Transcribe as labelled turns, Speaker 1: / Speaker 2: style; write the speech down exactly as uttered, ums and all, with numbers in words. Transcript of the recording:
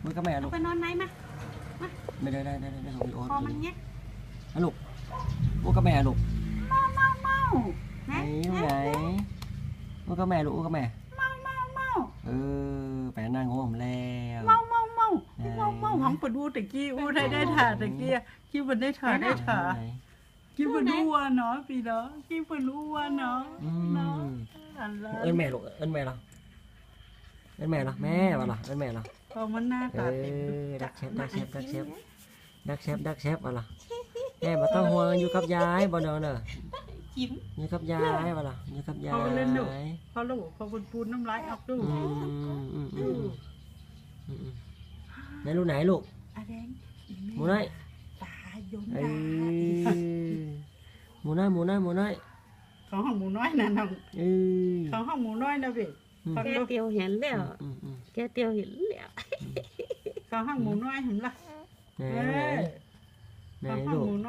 Speaker 1: มือกับแม่ลูก
Speaker 2: ไปนอนไหนมา
Speaker 1: ไม่ได้ได้ได้ได้ของพี่โอ๊ต
Speaker 2: คอมันเงี้ย
Speaker 1: นะลูกมือกับแม่ลูก
Speaker 2: เมาเมาเมา
Speaker 1: ไหนไหนมือกับแม่ลูกมือกับแม่
Speaker 2: เมาเมาเมา
Speaker 1: เออแปะนั่งหัวผมแล้ว
Speaker 2: เมาเมาเมาเมาเมาหังปวดดูตะกี้อู้ได้ได้ถ่าตะกี้กี้มันได้ถ่าได้ถ่ากี้มันรู้ว่าเนาะพี่เนาะกี้มันรู้ว่าเนาะเนาะ
Speaker 1: เอิ้นแม่ลูกเอิ้นแม่เราเอิ้นแม่เราแม่ว่าล่ะเอิ้นแม่เรา
Speaker 2: พอมันหน้าตาเต็ม
Speaker 1: ดักเชฟดักเชฟดักเชฟดักเชฟดักเชฟว่าล่ะแม่บ่ต้องห่วงอยู่กับยายบ่เด้อเด้อ
Speaker 2: จิ้ม
Speaker 1: อยู่กับยายว่าล่ะอยู่กับยาย
Speaker 2: พอเล่นดูพอลูกพอปูนน้ำลายออกดู
Speaker 1: อืมอืมอืมอืมไหนลูกไหนลูกหมูน้อย
Speaker 2: ตายน
Speaker 1: ตาหมูน้อยหมูน้อยหมูน้อย
Speaker 2: ของห้องหมูน้อยนะน้องของห้องหมูน้อยนะพี่
Speaker 3: แกเตียวเห็นแล้วแกเตียวเห็นแล้ว
Speaker 2: ของห้องหมูน้อยเห็นละ
Speaker 1: ไหนไหนลูก